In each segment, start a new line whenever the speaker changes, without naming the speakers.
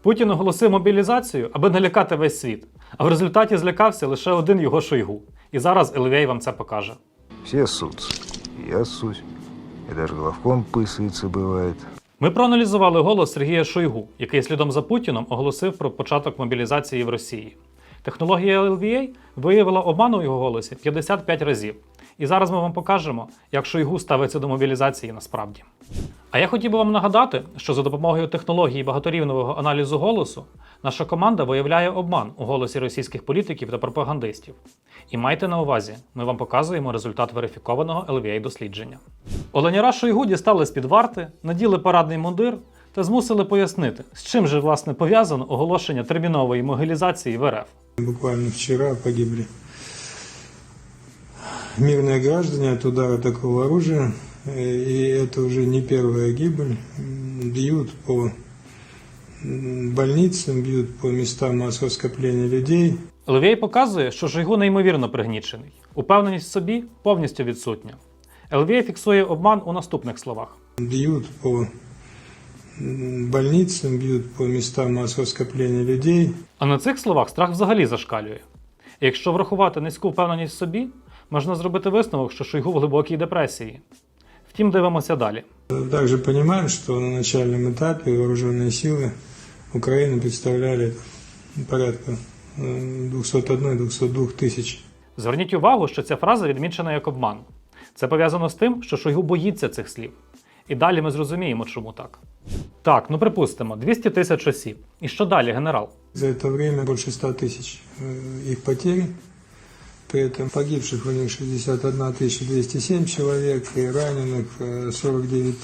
Путін оголосив мобілізацію, аби налякати весь світ. А в результаті злякався лише один його Шойгу. І зараз Елвей вам це покаже.
Все ссутся. Я ссусь. И даже главком писается бывает.
Ми проаналізували голос Сергія Шойгу, який слідом за Путіном оголосив про початок мобілізації в Росії. Технологія LVA виявила обман у його голосі 55 разів. І зараз ми вам покажемо, як Шойгу ставиться до мобілізації насправді. А я хотів би вам нагадати, що за допомогою технології багаторівневого аналізу голосу наша команда виявляє обман у голосі російських політиків та пропагандистів. І майте на увазі, ми вам показуємо результат верифікованого LVA-дослідження. Оленяра Шойгу дістали з-під варти, наділи парадний мундир та змусили пояснити, з чим же власне пов'язано оголошення термінової мобілізації в РФ.
Буквально вчера погибли мирные граждане от удара такого оружия, и это уже не первая гибель. Бьют по больницам, бьют по местам массового скопления людей.
LVA показує, що Шойгу неймовірно пригнічений. Упевненість в собі повністю відсутня. LVA фіксує обман у наступних словах.
Бьют по больницам, бьют по местам массового скопления людей.
А на цих словах страх взагалі зашкалює. І якщо врахувати низьку впевненість в собі, можна зробити висновок, що Шойгу в глибокій депресії. Втім, дивимося далі.
Также понимаем, что на начальном этапе вооруженные силы Украины представляли порядка 201-202 тысяч.
Зверніть увагу, що ця фраза відмічена як обман. Це пов'язано з тим, що Шойгу боїться цих слів. І далі ми зрозуміємо, чому так. Так, ну припустимо, 200 тисяч осіб. І що далі, генерал?
За это время больше 100 тысяч их потери. При этом погибших у них 61 207 человек и раненых 49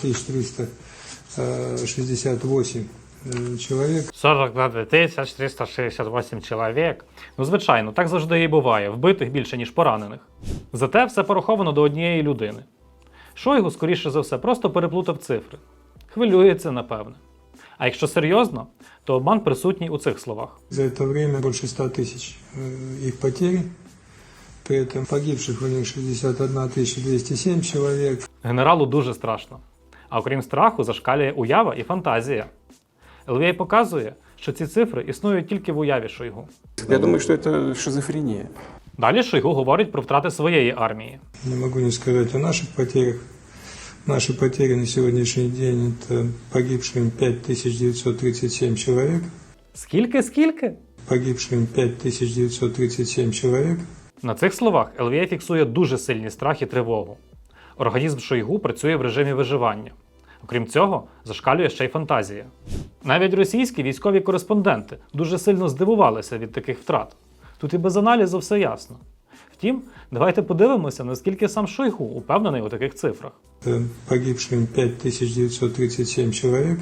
368 человек.
42 368 чоловік. Ну, звичайно, так завжди і буває. Вбитих більше, ніж поранених. Зате все пораховано до однієї людини. Шойгу, скоріше за все, просто переплутав цифри. Хвилюється, напевне. А якщо серйозно, то обман присутній у цих словах.
За это время больше 100 тысяч их потери. При этом погибших у них 61 207 человек.
Генералу дуже страшно. А окрім страху, зашкалює уява і фантазія. LVA показує, що ці цифри існують тільки в уяві Шойгу.
Я думаю, что это шизофрения.
Далі Шойгу говорить про втрати своєї армії.
Не могу не сказать о наших потерях. Наши потери на сегодняшний день – это погибшим 5937 человек.
Скільки?
Погибшим 5937 человек.
На цих словах LVA фіксує дуже сильний страх і тривогу. Організм Шойгу працює в режимі виживання. Окрім цього, зашкалює ще й фантазія. Навіть російські військові кореспонденти дуже сильно здивувалися від таких втрат. Тут і без аналізу все ясно. Втім, давайте подивимося, наскільки сам Шойгу упевнений у таких цифрах.
Погибшим 5937 человек.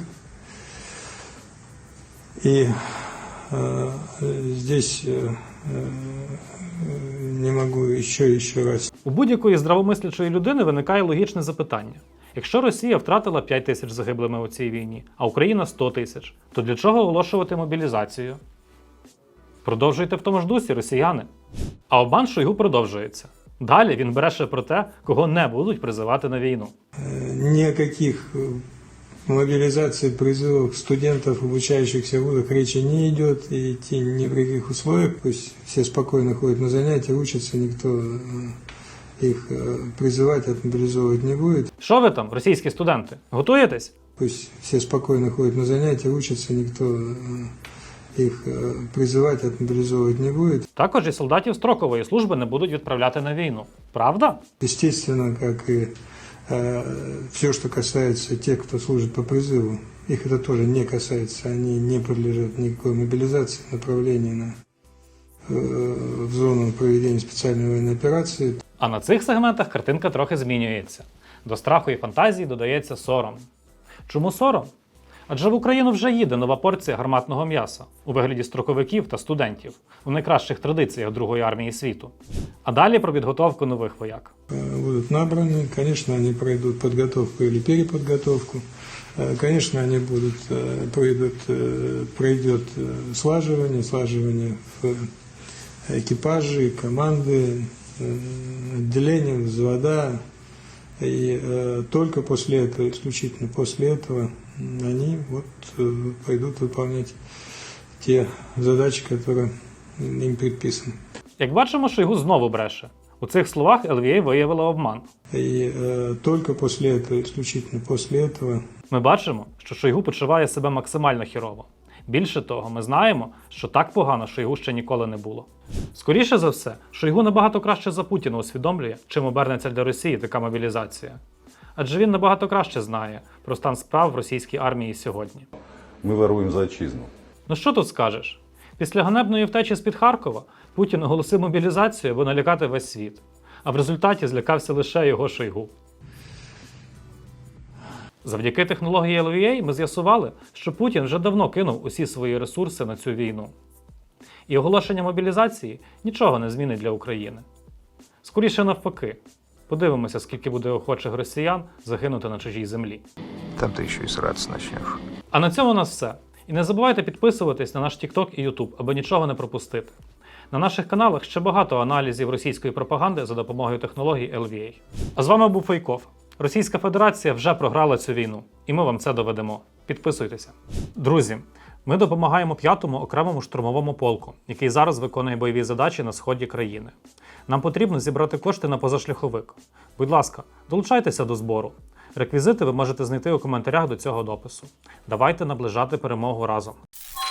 И здесь не могу еще раз.
У будь-якої здравомислячої людини виникає логічне запитання. Якщо Росія втратила 5 тисяч загиблими у цій війні, а Україна 100 тисяч, то для чого оголошувати мобілізацію? Продовжуйте в тому ж дусі, росіяни. А обман Шойгу продовжується. Далі він бреше про те, кого не будуть призивати на війну.
Никаких мобилизаций, призывов студентов, обучающихся в вузах, речи не идет, и идти ни в каких условиях. Пусть все спокойно ходят на занятия, учатся, никто их призывать, отмобилизовывать не будет.
Що ви там, російські студенти? Готуєтесь?
Пусть все спокойно ходят на занятия, учатся, никто их призывать, отмобилизовывать не будет.
Також і солдатів строкової служби не будуть відправляти на війну. Правда?
Естественно, как и все, что касается тех, кто служит по призыву, их это тоже не касается, они не подлежат никакой мобилизации, направлению в зону проведения специальной военной операции.
А на цих сегментах картинка трохи змінюється. До страху і фантазії додається сором. Чому сором? Адже в Україну вже їде нова порція гарматного м'яса у вигляді строковиків та студентів у найкращих традиціях Другої армії світу. А далі про підготовку нових вояк.
Будут набраны, конечно, они пройдут подготовку или переподготовку, конечно, они пройдет слаживание в экипаже, команды, отделения, взвода, и только после этого, исключительно после этого они вот пойдут выполнять те задачи, которые им предписаны.
Як бачимо, Шойгу знову бреше. У цих словах ЛВА виявила обман.
И только после этого, исключительно после этого,
Ми бачимо, що Шойгу почуває себе максимально хірово. Більше того, ми знаємо, що так погано Шойгу ще ніколи не було. Скоріше за все, Шойгу набагато краще за Путіна усвідомлює, чим обернеться для Росії така мобілізація. Адже він набагато краще знає про стан справ в російській армії сьогодні.
Ми воюємо за отчизну.
Ну що тут скажеш? Після ганебної втечі з-під Харкова Путін оголосив мобілізацію, аби налякати весь світ. А в результаті злякався лише його Шойгу. Завдяки технології ЛВА ми з'ясували, що Путін вже давно кинув усі свої ресурси на цю війну. І оголошення мобілізації нічого не змінить для України. Скоріше навпаки. Подивимося, скільки буде охочих росіян загинути на чужій землі.
Там ты еще и сраться начнешь.
А на цьому у нас все. І не забувайте підписуватись на наш TikTok і YouTube, аби нічого не пропустити. На наших каналах ще багато аналізів російської пропаганди за допомогою технологій ЛВА. А з вами був Фейков. Російська Федерація вже програла цю війну, і ми вам це доведемо. Підписуйтеся. Друзі, ми допомагаємо 5-му окремому штурмовому полку, який зараз виконує бойові задачі на сході країни. Нам потрібно зібрати кошти на позашляховик. Будь ласка, долучайтеся до збору. Реквізити ви можете знайти у коментарях до цього допису. Давайте наближати перемогу разом.